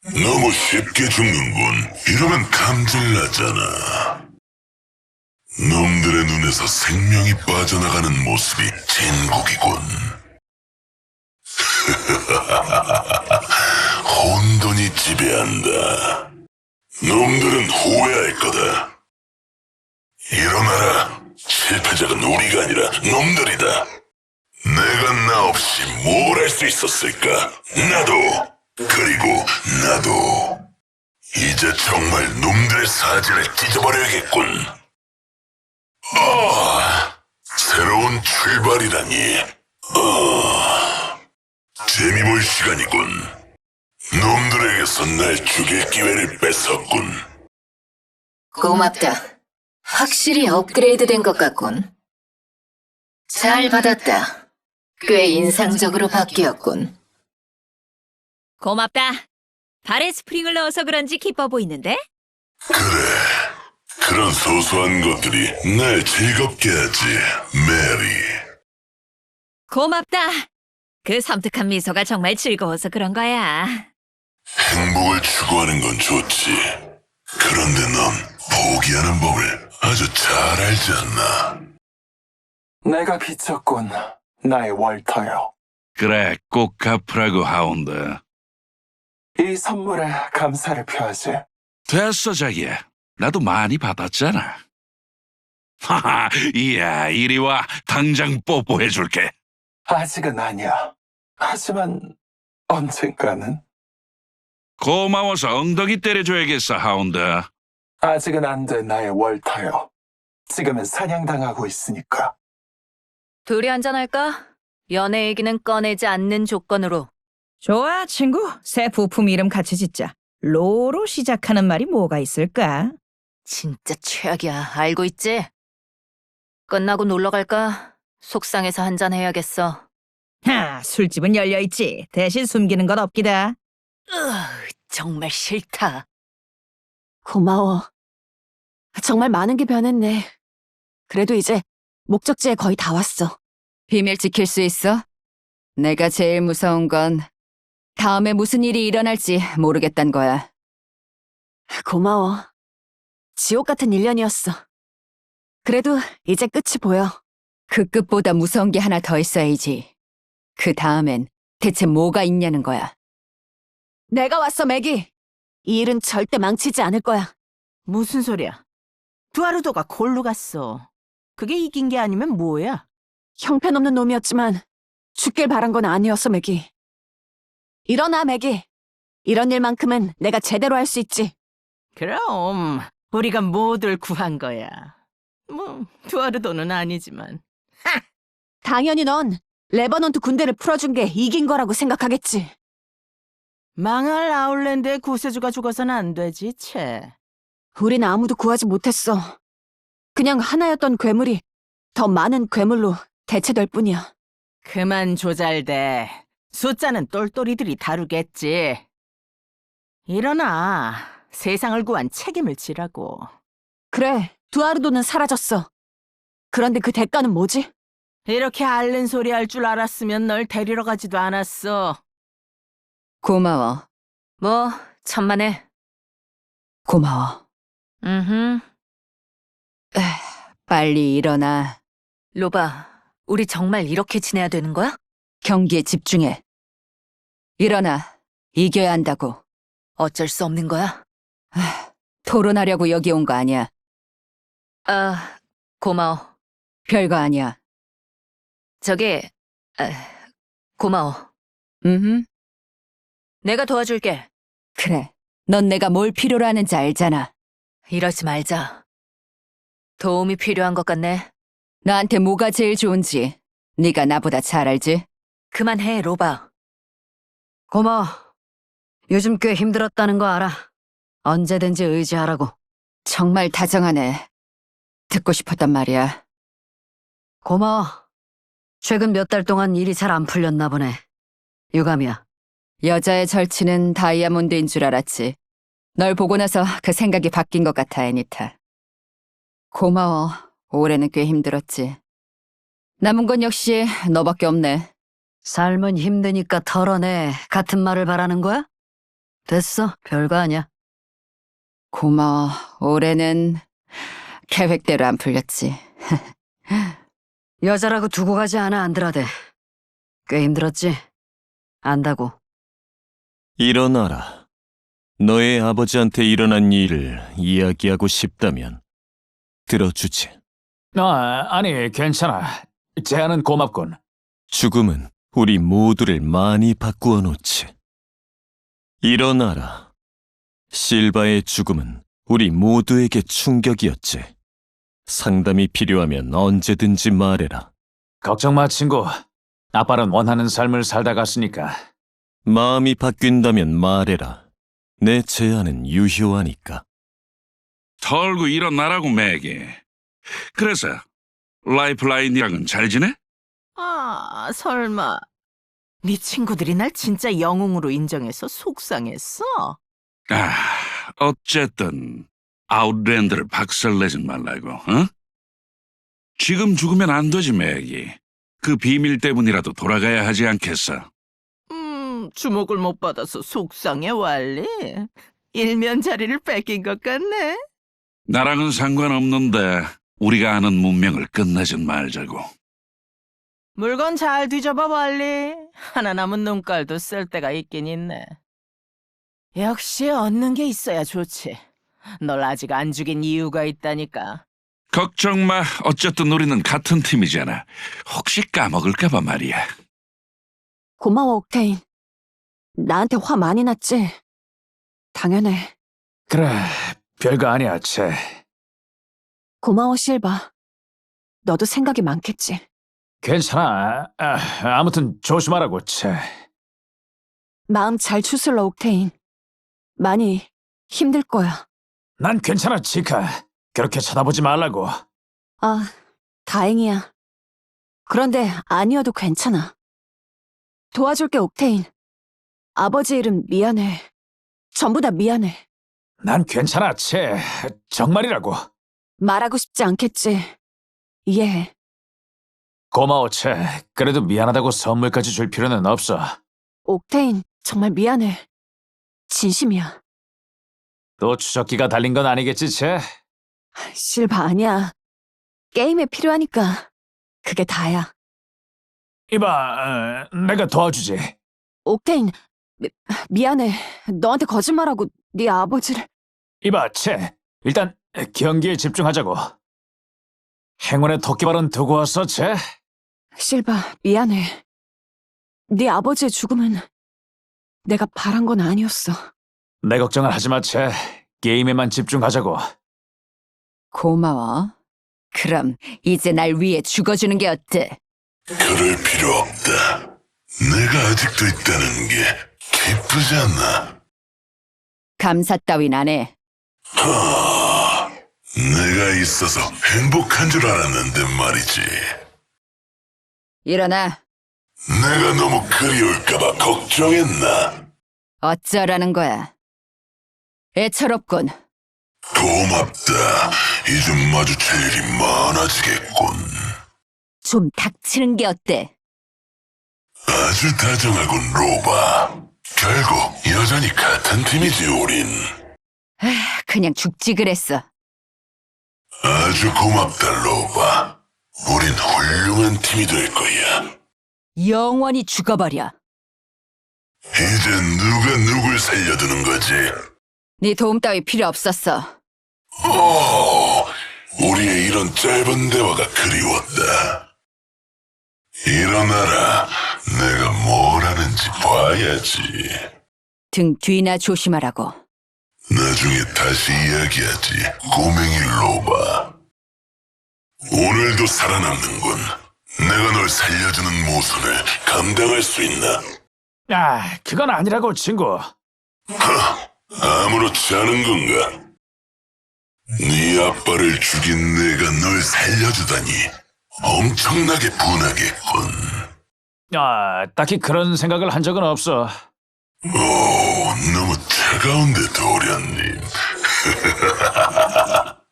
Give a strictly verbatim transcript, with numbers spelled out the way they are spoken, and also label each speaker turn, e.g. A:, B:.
A: 너무 쉽게 죽는군. 이러면 감질나잖아. 놈들의 눈에서 생명이 빠져나가는 모습이 진국이군. 혼돈이 지배한다. 놈들은 후회할 거다. 일어나라. 실패작은 우리가 아니라 놈들이다. 내가 나 없이 뭘 할 수 있었을까? 나도, 그리고 나도. 이제 정말 놈들의 사지를 찢어버려야겠군. 아, 새로운 출발이라니. 아, 재미볼 시간이군. 놈들에게서 날 죽일 기회를 뺏었군.
B: 고맙다. 확실히 업그레이드된 것 같군. 잘 받았다. 꽤 인상적으로 바뀌었군.
C: 고맙다. 발에 스프링을 넣어서 그런지 기뻐 보이는데?
A: 그래. 그런 소소한 것들이 날 즐겁게 하지, 메리.
C: 고맙다. 그 섬뜩한 미소가 정말 즐거워서 그런 거야.
A: 행복을 추구하는 건 좋지. 그런데 넌 포기하는 법을 아주 잘 알지 않나?
D: 내가 비쳤군, 나의 월터요.
E: 그래, 꼭 갚으라고, 하운드.
D: 이 선물에 감사를 표하지.
E: 됐어, 자기야. 나도 많이 받았잖아. 하하, 이야, 이리 와. 당장 뽀뽀해줄게.
D: 아직은 아니야. 하지만 언젠가는.
E: 고마워서 엉덩이 때려줘야겠어, 하운드.
D: 아직은 안 돼, 나의 월터요. 지금은 사냥당하고 있으니까.
C: 둘이 한잔할까? 연애 얘기는 꺼내지 않는 조건으로.
F: 좋아, 친구. 새 부품 이름 같이 짓자. 로로 시작하는 말이 뭐가 있을까?
C: 진짜 최악이야. 알고 있지? 끝나고 놀러 갈까? 속상해서 한잔 해야겠어.
F: 하, 술집은 열려있지. 대신 숨기는 건 없기다.
C: 으, 정말 싫다.
G: 고마워. 정말 많은 게 변했네. 그래도 이제 목적지에 거의 다 왔어.
B: 비밀 지킬 수 있어? 내가 제일 무서운 건 다음에 무슨 일이 일어날지 모르겠단 거야.
G: 고마워. 지옥 같은 일 년이었어. 그래도 이제 끝이 보여.
B: 그 끝보다 무서운 게 하나 더 있어야지. 그 다음엔 대체 뭐가 있냐는 거야.
G: 내가 왔어, 매기. 이 일은 절대 망치지 않을 거야.
H: 무슨 소리야? 두아르도가 골로 갔어. 그게 이긴 게 아니면 뭐야?
G: 형편없는 놈이었지만 죽길 바란 건 아니었어, 매기. 일어나, 매기. 이런 일만큼은 내가 제대로 할 수 있지.
H: 그럼 우리가 모두를 구한 거야. 뭐 두아르도는 아니지만.
G: 당연히 넌 레버넌트 군대를 풀어준 게 이긴 거라고 생각하겠지.
H: 망할 아울랜드의 구세주가 죽어서는 안 되지, 채.
G: 우린 아무도 구하지 못했어. 그냥 하나였던 괴물이 더 많은 괴물로 대체될 뿐이야.
H: 그만 조잘대. 숫자는 똘똘이들이 다루겠지. 일어나. 세상을 구한 책임을 지라고.
G: 그래, 두아르도는 사라졌어. 그런데 그 대가는 뭐지?
H: 이렇게 앓는 소리 할 줄 알았으면 널 데리러 가지도 않았어.
B: 고마워.
C: 뭐, 천만에.
B: 고마워.
C: 음흠.
B: 빨리 일어나.
C: 로바, 우리 정말 이렇게 지내야 되는 거야?
B: 경기에 집중해. 일어나. 이겨야 한다고.
C: 어쩔 수 없는 거야?
B: 토론하려고 여기 온 거 아니야.
C: 아, 고마워.
B: 별거 아니야.
C: 저기, 에, 고마워.
B: 음,
C: 내가 도와줄게.
B: 그래. 넌 내가 뭘 필요로 하는지 알잖아.
C: 이러지 말자. 도움이 필요한 것 같네.
B: 나한테 뭐가 제일 좋은지 네가 나보다 잘 알지?
C: 그만해, 로바.
B: 고마워. 요즘 꽤 힘들었다는 거 알아. 언제든지 의지하라고. 정말 다정하네. 듣고 싶었단 말이야. 고마워. 최근 몇 달 동안 일이 잘 안 풀렸나 보네. 유감이야. 여자의 절친은 다이아몬드인 줄 알았지. 널 보고 나서 그 생각이 바뀐 것 같아, 애니타. 고마워. 올해는 꽤 힘들었지. 남은 건 역시 너밖에 없네. 삶은 힘드니까 털어내. 같은 말을 바라는 거야? 됐어, 별거 아니야. 고마워. 올해는 계획대로 안 풀렸지. 여자라고 두고 가지 않아, 안드라데. 꽤 힘들었지? 안다고.
I: 일어나라. 너의 아버지한테 일어난 일을 이야기하고 싶다면 들어주지.
J: 아, 아니, 괜찮아. 제안은 고맙군.
I: 죽음은 우리 모두를 많이 바꾸어 놓지. 일어나라. 실바의 죽음은 우리 모두에게 충격이었지. 상담이 필요하면 언제든지 말해라.
J: 걱정 마, 친구. 아빠는 원하는 삶을 살다 갔으니까.
I: 마음이 바뀐다면 말해라. 내 제안은 유효하니까.
E: 털고 일어나라고, 맥이. 그래서 라이프라인이랑은 잘 지내?
H: 아, 설마. 네 친구들이 날 진짜 영웅으로 인정해서 속상했어?
E: 아, 어쨌든 아웃랜드를 박살내지 말라고, 어? 지금 죽으면 안 되지, 맥이. 그 비밀 때문이라도 돌아가야 하지 않겠어?
H: 음, 주목을 못 받아서 속상해, 왈리. 일면 자리를 뺏긴 것 같네.
E: 나랑은 상관없는데 우리가 아는 문명을 끝내진 말자고.
H: 물건 잘 뒤져봐, 왈리. 하나 남은 눈깔도 쓸 때가 있긴 있네. 역시 얻는 게 있어야 좋지. 널 아직 안 죽인 이유가 있다니까.
E: 걱정 마. 어쨌든 우리는 같은 팀이잖아. 혹시 까먹을까봐 말이야.
G: 고마워, 옥테인. 나한테 화 많이 났지? 당연해.
J: 그래, 별거 아니야, 채.
G: 고마워, 실바. 너도 생각이 많겠지.
J: 괜찮아. 아, 아무튼 조심하라고, 채.
G: 마음 잘 추슬러, 옥테인. 많이 힘들 거야.
J: 난 괜찮아, 치카. 그렇게 쳐다보지 말라고.
G: 아, 다행이야. 그런데 아니어도 괜찮아. 도와줄게, 옥테인. 아버지 이름 미안해. 전부 다 미안해.
J: 난 괜찮아, 채. 정말이라고.
G: 말하고 싶지 않겠지. 이해해.
J: 고마워, 채. 그래도 미안하다고 선물까지 줄 필요는 없어.
G: 옥테인, 정말 미안해. 진심이야.
J: 또 추적기가 달린 건 아니겠지, 채?
G: 실바 아니야. 게임에 필요하니까. 그게 다야.
J: 이봐, 어, 내가 도와주지.
G: 옥테인, 미, 미안해. 너한테 거짓말하고 네 아버지를...
J: 이봐, 채. 일단 경기에 집중하자고. 행운의 토끼발은 두고 왔어, 채?
G: 실바, 미안해. 네 아버지의 죽음은 내가 바란 건 아니었어.
J: 내 걱정은 하지 마, 채. 게임에만 집중하자고.
B: 고마워. 그럼 이제 날 위해 죽어주는 게 어때?
A: 그럴 필요 없다. 내가 아직도 있다는 게 기쁘지 않나?
B: 감사 따윈 안 해.
A: 하, 내가 있어서 행복한 줄 알았는데 말이지.
B: 일어나.
A: 내가 너무 그리울까봐 걱정했나?
B: 어쩌라는 거야. 애처롭군.
A: 고맙다. 이제 마주칠 일이 많아지겠군.
B: 좀 닥치는 게 어때?
A: 아주 다정하군, 로바. 결국 여전히 같은 팀이지, 우린.
B: 그냥 죽지 그랬어.
A: 아주 고맙다, 로바. 우린 훌륭한 팀이 될 거야.
B: 영원히 죽어버려.
A: 이제 누가 누굴 살려두는 거지?
B: 네 도움 따위 필요 없었어.
A: 오, 우리의 이런 짧은 대화가 그리웠다. 일어나라. 내가 뭘 하는지 봐야지.
B: 등 뒤나 조심하라고.
A: 나중에 다시 이야기하지, 꼬맹이 로바. 오늘도 살아남는군. 내가 널 살려주는 모순을 감당할 수 있나?
J: 아, 그건 아니라고, 친구.
A: 하, 아무렇지 않은 건가? 네 아빠를 죽인 내가 널 살려주다니 엄청나게 분하겠군.
J: 아, 딱히 그런 생각을 한 적은 없어.
A: 오, 너무 차가운데, 도련님.